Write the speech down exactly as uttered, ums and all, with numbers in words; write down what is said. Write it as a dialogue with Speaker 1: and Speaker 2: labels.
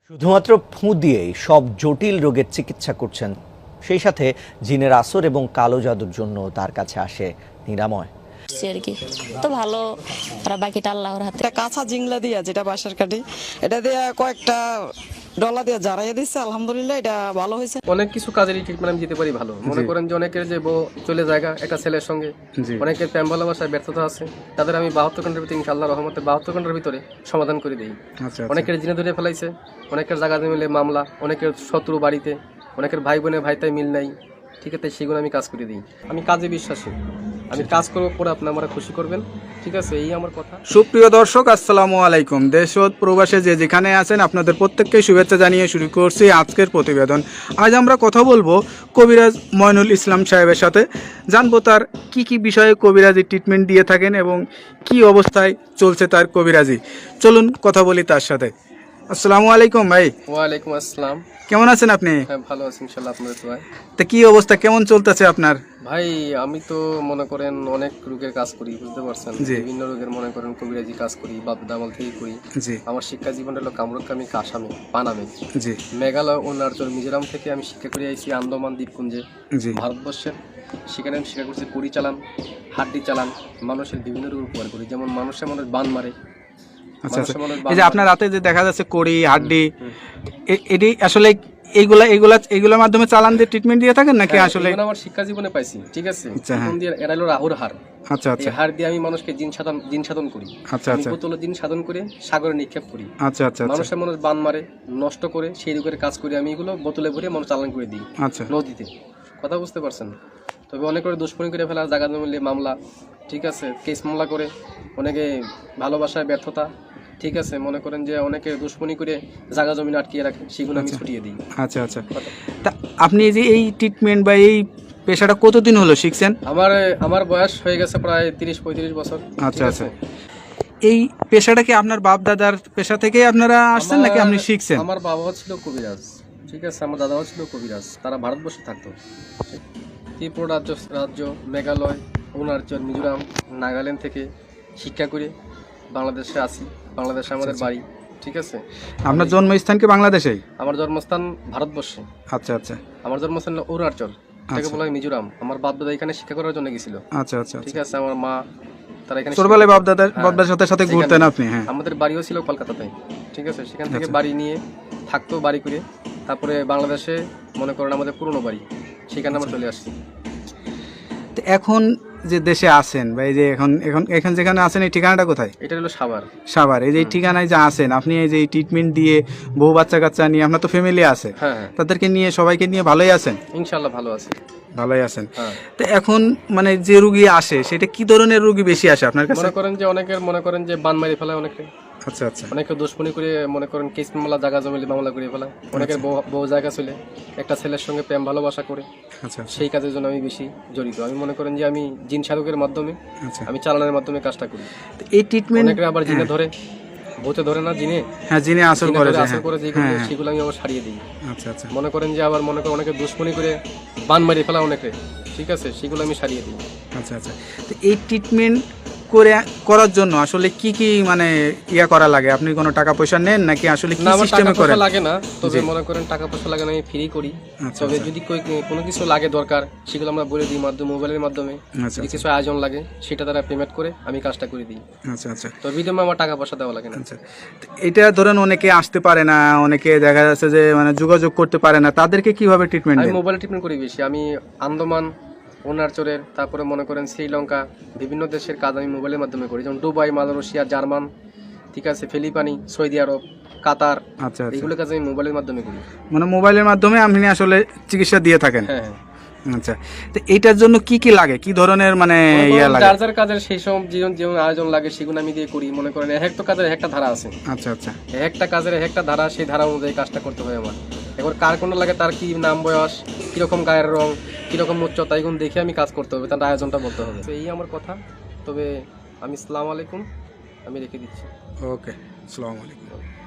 Speaker 1: শুধুমাত্র ফুঁ দিয়েই সব জটিল রোগের চিকিৎসা করছেন, সেই সাথে জিনের আসর এবং কালো জাদুর জন্য তার কাছে আসে নিরাময়।
Speaker 2: আর কি তো ভালো, আর বাকিটা আল্লাহর হাতে।
Speaker 3: এটা কাঁচা জিংলা দিয়া, যেটা বাসার কাঠি, এটা দিয়ে কয়েকটা ডলা দিয়ে জারাইয়া দিচ্ছে, আলহামদুলিল্লাহ এটা ভালো হয়েছে।
Speaker 4: অনেক কিছু কাজেরই ট্রিটমেন্ট আমি দিতে পারি ভালো। মনে করেন যে অনেকের যে বউ চলে জায়গা একটা ছেলের সঙ্গে, অনেকের প্রেম ভালোবাসায় ব্যর্থতা আছে, তাদের আমি বাহাত্তর ঘন্টার ভিতরে ইনশাআল্লাহ রহমতে বাহাত্তর ঘন্টার ভিতরে সমাধান করে দিই। অনেকের জিনে ধরে ফেলাইছে, অনেকের জায়গা মিলে মামলা, অনেকের শত্রু বাড়িতে, অনেকের ভাই বোনে ভাইতাই মিল নাই, ঠিক আছে, সেগুলো আমি কাজ করে দিই। আমি কাজে বিশ্বাসী, আমি কাজ করবো পরে আপনি আমার খুশি করবেন, ঠিক আছে, এই আমার কথা।
Speaker 5: সুপ্রিয় দর্শক, আসসালামু আলাইকুম। দেশ ও প্রবাসে যে যেখানে আছেন আপনাদের প্রত্যেককে শুভেচ্ছা জানিয়ে শুরু করছি আজকের প্রতিবেদন। আজ আমরা কথা বলবো কবিরাজ ময়নুল ইসলাম সাহেবের সাথে, জানবো তার কি কি বিষয়ে কবিরাজি ট্রিটমেন্ট দিয়ে থাকেন এবং কি অবস্থায় চলছে তার কবিরাজি। চলুন কথা বলি তার সাথে। আসসালামু আলাইকুম ভাই।
Speaker 4: ওয়ালাইকুম আসসালাম।
Speaker 5: কেমন আছেন আপনি?
Speaker 4: হ্যাঁ, ভালো আছি ইনশাআল্লাহ, আপনাদের দোয়ায়।
Speaker 5: তা কি অবস্থা, কেমন চলতেছে আপনার?
Speaker 4: ভাই আমি তো মনে করেন অনেক রোগের কাজ করি, বুঝতে পারছেন, বিভিন্ন রোগের মনে করেন কবিরাজি কাজ করি, বাপ দামাল থেকে করি। আমার শিক্ষা জীবন হলো কামরুকামি, কাসামে, পানামে, মেঘালয়, অরুণাচল, মিজোরাম থেকে আমি শিক্ষা করে আইছি আন্দামান দ্বীপপুঞ্জে, ভারতবর্ষের। সেখানে আমি শিক্ষা করছি কুড়ি চালান, হাড্ডি চালান, মানুষের বিভিন্ন রোগ উপকার করি, যেমন মানুষের মানুষ বান মারে।
Speaker 5: আচ্ছা আচ্ছা, এই যে আপনার রাতে যে দেখা যাচ্ছে কড়ি হাড্ডি, এটি আসলে এইগুলা এইগুলা এইগুলোর মাধ্যমে চালান দিয়ে ট্রিটমেন্ট দিয়ে থাকেন নাকি? আসলে
Speaker 4: আমার শিক্ষা জীবনে পাইছি, ঠিক আছে, এরা হলো রাহুর হার।
Speaker 5: আচ্ছা আচ্ছা,
Speaker 4: হার দিয়ে আমি মানুষকে জিন সাধন জিন সাধন করি। আচ্ছা আচ্ছা, বোতল জিন সাধন করে সাগরে নিক্ষেপ করি। আচ্ছা আচ্ছা, মানুষের মানুষ বান মারে, নষ্ট করে, সেই রোগের কাজ করি আমি, এগুলো বোতলে ভরে মানুষ চালান করে দিই। আচ্ছা, নদীতে, কথা বুঝতে পারছেন। তবে অনেক করে দুষ্কর্মী করে ফেলা, জায়গা জমিলে মামলা, ঠিক আছে, কেস মামলা করে, অনেকে ভালোবাসায় ব্যর্থতা, ঠিক আছে, মনে করেন যে অনেকে দুশ্মনী করে জায়গা জমি আটকিয়ে রাখে, সেগুলো আমি ছুটিয়ে দিই। আচ্ছা আচ্ছা,
Speaker 5: তা আপনি যে এই ট্রিটমেন্ট বা এই পেশাটা কতদিন হলো শিখছেন?
Speaker 4: আমার আমার বয়স হয়ে গেছে প্রায় তিরিশ পঁয়ত্রিশ বছর।
Speaker 5: আচ্ছা আচ্ছা, এই পেশাটা কি আপনার বাপ দাদার পেশা থেকে আপনারা আসছেন নাকি আপনি শিখছেন?
Speaker 4: আমার বাবাও ছিল কবিরাজ, ঠিক আছে, আমার দাদাও ছিল কবিরাজ, তারা ভারতবর্ষে থাকতো। ত্রিপুরা রাজ্য রাজ্য মেঘালয়, অরুণাচল, মিজোরাম, নাগাল্যান্ড থেকে শিক্ষা করে বাংলাদেশে আসি। বাংলাদেশে আমাদের বাড়ি, ঠিক আছে।
Speaker 5: আপনার জন্মস্থান কি বাংলাদেশেই?
Speaker 4: আমার জন্মস্থান ভারতবর্ষে।
Speaker 5: আচ্ছা আচ্ছা,
Speaker 4: আমার জন্মস্থান অরুণাচল, এটাকে বলা হয় মিজোরাম। আমার বাপ দাদা এখানে শিক্ষা করার জন্য গেছিল। আচ্ছা আচ্ছা, ঠিক আছে, আমার মা তারা এখানে
Speaker 5: ছোটবেলায় বাপ দাদা বাপ দাদার সাথে সাথে ঘুরতেন আপনি? হ্যাঁ,
Speaker 4: আমাদের বাড়িও ছিল কলকাতাতে, ঠিক আছে, সেখান থেকে বাড়ি নিয়ে থাকতো, বাড়ি করে তারপরে বাংলাদেশে মনে করেন আমাদের পুরনো বাড়ি, সেখানে আমরা চলে আসছি।
Speaker 5: এখন যে দেশে আছেন বা এই যে এখন এখন এখানে যেখানে আছেন, এই ঠিকানাটা কোথায়? এটা
Speaker 4: হলো সাভার।
Speaker 5: সাভার, এই যে ঠিকানায় যে আছেন আপনি, এই যে ট্রিটমেন্ট দিয়ে বউ বাচ্চা কাচ্চা নিয়ে, আপনার তো ফ্যামিলি আছে,
Speaker 4: হ্যাঁ,
Speaker 5: তাদেরকে নিয়ে সবাইকে নিয়ে ভালোই আছেন?
Speaker 4: ইনশাআল্লাহ ভালো আছে,
Speaker 5: ভালোই আছেন। তো এখন মানে যে রোগী আসে, সেটা কি ধরনের রোগী বেশি আসে আপনার কাছে?
Speaker 4: মনে করেন যে অনেকের মনে করেন যে বান মারি ফেলায় অনেকে।
Speaker 5: আচ্ছা আচ্ছা,
Speaker 4: অনেকে দুশ্মনী করে মনে করেন কেস মামলা, জায়গা জমিলে মামলা করে ফেলায়। অনেকের বউ জায়গা চলে একটা ছেলের সঙ্গে প্রেম ভালোবাসা করে। আচ্ছা, সেই কাজের জন্য আমি বেশি জড়িত। আমি মনে করেন যে আমি জিন সাধকের মাধ্যমে, আমি চালানোর মাধ্যমে কাজটা করি।
Speaker 5: এই ট্রিটমেন্ট
Speaker 4: অনেকে আবার জিনে ধরে, ভূতে ধরে না, জিনে,
Speaker 5: হ্যাঁ, জিনে আসর করে,
Speaker 4: আসর করে, সেগুলো আমি আবার সারিয়ে দিই। আচ্ছা আচ্ছা, মনে করেন যে আবার মনে করেন অনেকে দুশ্মনী করে বান মারি ফেলা অনেকে, ঠিক আছে, সেগুলো আমি সারিয়ে দিই।
Speaker 5: আচ্ছা আচ্ছা, তো এই ট্রিটমেন্ট করে করার জন্য আসলে কি কি মানে ইয়া করা লাগে? আপনি কোনো টাকা পয়সা নেন নাকি আসলে কি সিস্টেমে করেন?
Speaker 4: লাগে না, তবে মনে করেন টাকা পয়সা লাগে না, আমি ফ্রি করি। তবে যদি কোনো কিছু লাগে দরকার, সেগুলো আমরা বলে দিই মাধ্যমে, মোবাইলের মাধ্যমে। যদি কিছু আয়োজন লাগে, সেটা তারা পেমেন্ট করে আমি কাজটা করে দিই। আচ্ছা আচ্ছা, তো বিধমে আমার টাকা পয়সা দেওয়া লাগে না। আচ্ছা,
Speaker 5: এটা ধরেন অনেকে আসতে পারে না, অনেকে দেখা যাচ্ছে যে মানে যোগাযোগ করতে পারে না, তাদেরকে কিভাবে ট্রিটমেন্ট দেন?
Speaker 4: আমি মোবাইলে ট্রিটমেন্ট করি বেশি। আমি আন্দামান, অরুণাচলের, তারপরে মনে করেন শ্রীলঙ্কা, বিভিন্ন দেশের কাজ আমি মোবাইলের মাধ্যমে করি, যেমন দুবাই, মালয়েশিয়া, জার্মান, ঠিক আছে, ফিলিপাইনি, সৌদি আরব, কাতার। আচ্ছা, এগুলো কাজ আমি মোবাইলের মাধ্যমে করি।
Speaker 5: মানে মোবাইলের মাধ্যমে আপনি আসলে চিকিৎসা দিয়ে থাকেন?
Speaker 4: হ্যাঁ হ্যাঁ।
Speaker 5: আচ্ছা, তো এইটার জন্য কি কি লাগে, কি ধরনের মানে ইয়া লাগে?
Speaker 4: যার যার কাজের সেই সব জীবন জীবন আয়োজন লাগে, সেগুলো আমি দিয়ে করি। মনে করেন এক একটা কাজের একটা ধারা আছে। আচ্ছা আচ্ছা, একটা কাজের একটা ধারা, সেই ধারা অনুযায়ী কাজটা করতে হয় আমার। এবার কার কোন লাগে, তার কি নাম, বয়স, কিরকম গায়ের রং, কিরকম উচ্চতা, এগুলো দেখে আমি কাজ করতে হবে, তার আয়োজনটা বলতে হবে। তো এই আমার কথা। তবে আমি আসসালামু আলাইকুম, আমি রেখে দিচ্ছি।
Speaker 5: ওকে, আসসালামু আলাইকুম।